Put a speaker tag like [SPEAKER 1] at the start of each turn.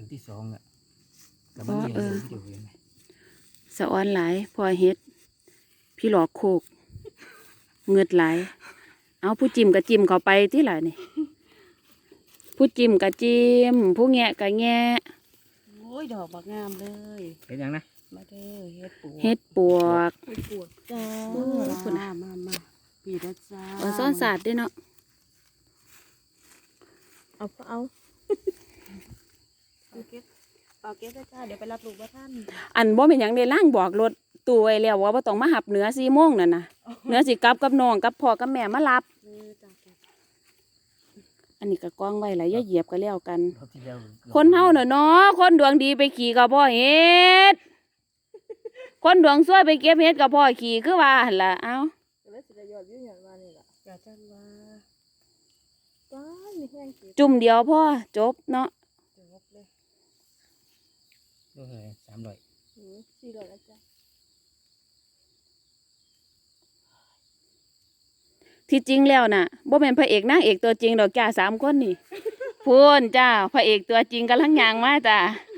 [SPEAKER 1] ที่สองอ่ะกับมันเลี้ยงวิดีโอเห็นไหม
[SPEAKER 2] สะออนหลายพอเฮ็ดพี่หลอกโคกเงือดหลายเอาผู้จิ้มกับจิ้มเข้าไปที่ไหนนี่ผู้จิ้มกับจิ้มผู้แงะกับแงะโอ้ยดอกบักงามเลย
[SPEAKER 1] เห็นยังนะ
[SPEAKER 2] มาเด้อเฮ็ดปวก
[SPEAKER 3] จ้า
[SPEAKER 2] คุณ
[SPEAKER 3] มาปีละจ้า
[SPEAKER 2] ซ่อนศาสตร์ด้วยเนาะ
[SPEAKER 3] เอาเก็บจ้าเดี๋ยวไปรับลูกว่าท่าน
[SPEAKER 2] อันบ่เป็นหยังได้ล่างบอกรถตู้ไว้แล้วว่าบ่ต้องมาหับเหนือ4 โมงนั่นน่ะเหนือสิกลับกับน้องกับพ่อกับแม่มารับอันนี้ก็กองไว้แล้วอย่าเหยียบก็แล้วกันคนเฮาน่ะเนาะคนดวงดีไปขี่กับพ่อเฮ็ดคนดวงซวยไปเก็บเฮ็ดกับพ่อขี่คือว่าหั่นล่ะเอ้าจุ่มเดียวพ่อจบเนาะ
[SPEAKER 1] ดูเลย
[SPEAKER 3] 400แล้วจ้า
[SPEAKER 2] ที่จริงแล้วน่ะบ่แม่นพระเอกนางเอกตัวจริงดอกจ้า3 คนนี่พูนจ้าพระเอกตัวจริงกำลังย่างมาจ้า